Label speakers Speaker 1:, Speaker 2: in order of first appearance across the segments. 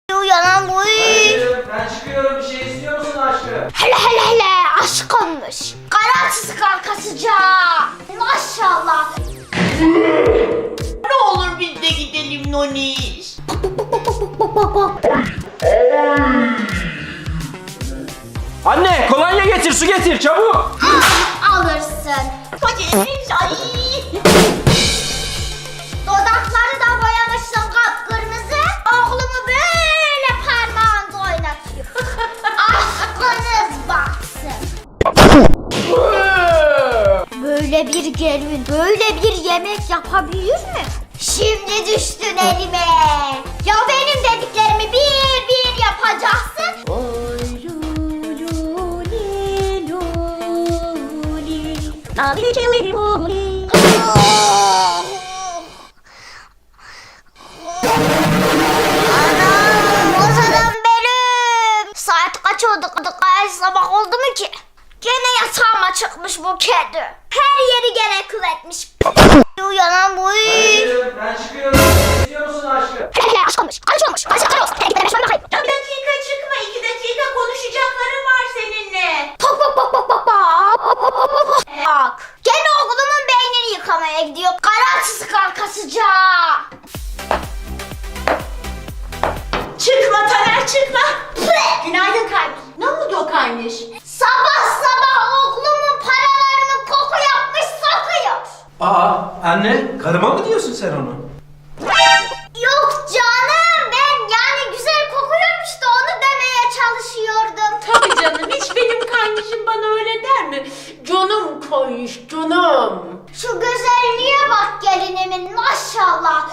Speaker 1: Uyanan bu.
Speaker 2: Hayır, ben çıkıyorum. Bir şey istiyor musun aşkım?
Speaker 1: Hele aşk olmuş. Kararsız kalkasıca. Maşallah.
Speaker 3: Ne olur biz de gidelim Noniş.
Speaker 2: Anne, kolonya getir, su getir, çabuk.
Speaker 1: Alırsın.
Speaker 3: Hadi ay.
Speaker 1: Dudakları da boyamışsın kapkırmızı. Oğlumu böyle parmağında oynatıyor. Aşkınız baksın. Böyle bir gelin, böyle bir yemek yapabilir mi? Şimdi düştün elime. Ya benim dediklerimi bir bir yapacaksın. Anam, Ozan'ım benim. Saat kaç oldu? Ay, sabah oldu mu ki? Gene yatağıma çıkmış bu kedi. Her yeri gene kıvetmiş. Uyanan bu.
Speaker 2: Hayır, ben çıkıyorum. Bir şey istiyor musun aşkım?
Speaker 1: Aşk olmuş, aşk olmuş. Aşk olmuş. Gidelim şöyle bakayım.
Speaker 3: Bir dakika çıkma, 2 dakika konuşacaklarım var seninle.
Speaker 1: Bak. Gene oğlumun beynini yıkamaya gidiyor. Kararsız kalkasıca.
Speaker 3: Çıkma Taner, çıkma. Günaydın kardeş. Ne oldu o kardeş?
Speaker 1: Sabah oğlumun paralarını koku yapmış sokuyor.
Speaker 2: Aa, anne, karıma mı diyorsun sen onu?
Speaker 1: Yok canım, ben yani güzel kokuyormuş da onu demeye çalışıyordum.
Speaker 3: Tabii canım, hiç benim kardeşim bana öyle der mi? Canım koymuş, canım.
Speaker 1: Şu güzelliğe bak gelinimin, maşallah.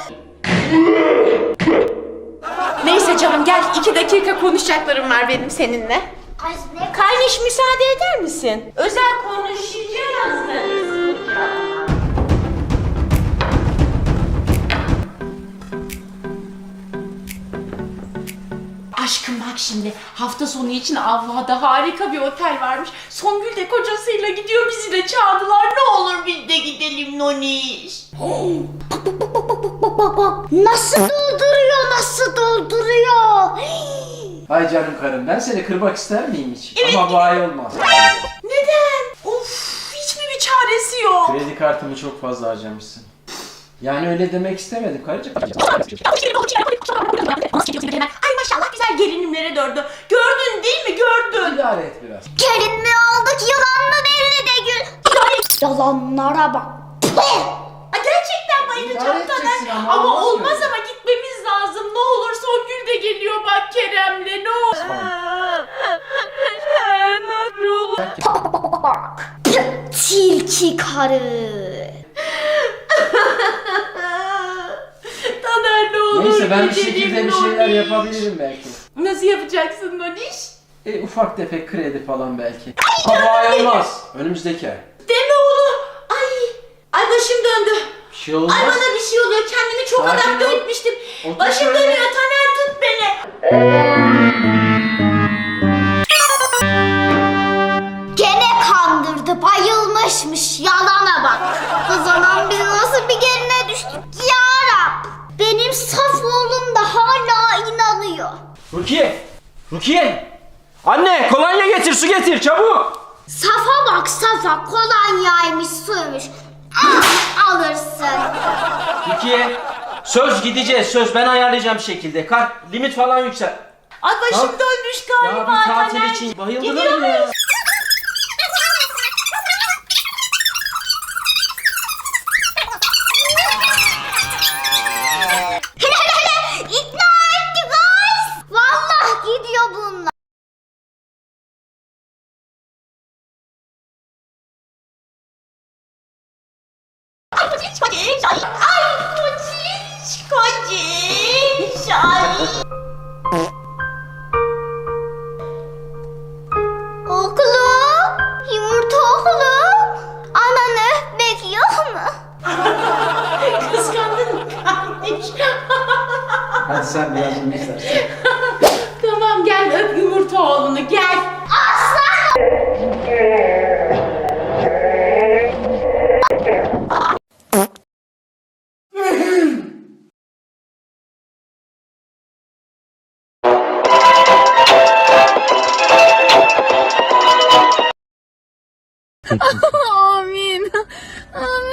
Speaker 3: Neyse canım, gel 2 dakika konuşacaklarım var benim seninle.
Speaker 1: Ay ne
Speaker 3: Kardeş, müsaade eder misin? Özel konuşacağız. Aşkım bak şimdi, hafta sonu için Avva'da harika bir otel varmış. Songül de kocasıyla gidiyor, bizi de çağırdılar. Ne olur biz de gidelim Noniş.
Speaker 1: Nasıl dolduruyor, nasıl dolduruyor.
Speaker 2: Ay canım karım, ben seni kırmak ister miyim hiç?
Speaker 3: Evet.
Speaker 2: Ama bu ay olmaz.
Speaker 3: Neden? Of, hiç mi bir çaresi yok?
Speaker 2: Kredi kartımı çok fazla harcamışsın. Yani öyle demek istemedim karıcığım.
Speaker 3: Ay maşallah, güzel gelinimlere döndü. Gördün değil mi? Gördün.
Speaker 2: İdare et biraz.
Speaker 1: Gelin mi olduk, yılan mı belli de gül. Yalanlara bak.
Speaker 3: Ay, gerçekten bayılacağım
Speaker 2: İdare edeceksin
Speaker 3: Taner.
Speaker 2: ama
Speaker 3: Ama
Speaker 2: olmaz
Speaker 3: olmaz
Speaker 2: böyle.
Speaker 3: ama gitmemiz lazım. Ne olur, Songül de geliyor bak Kerem'le. Ne olur.
Speaker 1: Tilki karı.
Speaker 3: Taner ne olur.
Speaker 2: Neyse ben bir
Speaker 3: gidelim
Speaker 2: şekilde bir şeyler
Speaker 3: Noniş.
Speaker 2: yapabilirim belki.
Speaker 3: Nasıl yapacaksın Noniş?
Speaker 2: Ufak tefek kredi falan belki. Ama bu ay olmaz. Önümüzdeki ay.
Speaker 3: Deme oğlum. Ay başım döndü.
Speaker 2: Bir şey olmaz.
Speaker 3: Ay bana bir şey oluyor. Kendimi çok
Speaker 2: Sakin
Speaker 3: adapte
Speaker 2: ol.
Speaker 3: etmiştim.
Speaker 2: Otur
Speaker 3: Başım
Speaker 2: şöyle.
Speaker 3: dönüyor. Taner tut beni.
Speaker 1: Gene kandırdı, bayılmışmış, yalana bak. O zaman biz nasıl bir geline düştük ya Rab. Benim saf oğlum da hala inanıyor.
Speaker 2: Rukiye! Anne, kolonya getir, su getir, çabuk!
Speaker 1: Safa bak safa, kolonyaymış suymuş. Alırsın.
Speaker 2: Rukiye, söz gideceğiz, söz ben ayarlayacağım bir şekilde. Kart, limit falan yüksel.
Speaker 3: Ay başım
Speaker 2: Tamam.
Speaker 3: dönmüş
Speaker 2: Ya
Speaker 3: galiba
Speaker 2: bir tatil
Speaker 3: Taner.
Speaker 2: için bayıldılar
Speaker 3: Gidiyor
Speaker 2: mı ya?
Speaker 3: muyuz?
Speaker 1: İkna etti guys. Vallahi gidiyor bunlar.
Speaker 3: Ay kociş kociş. Ay kociş kociş. Ay.
Speaker 1: O
Speaker 4: Amin. Amin.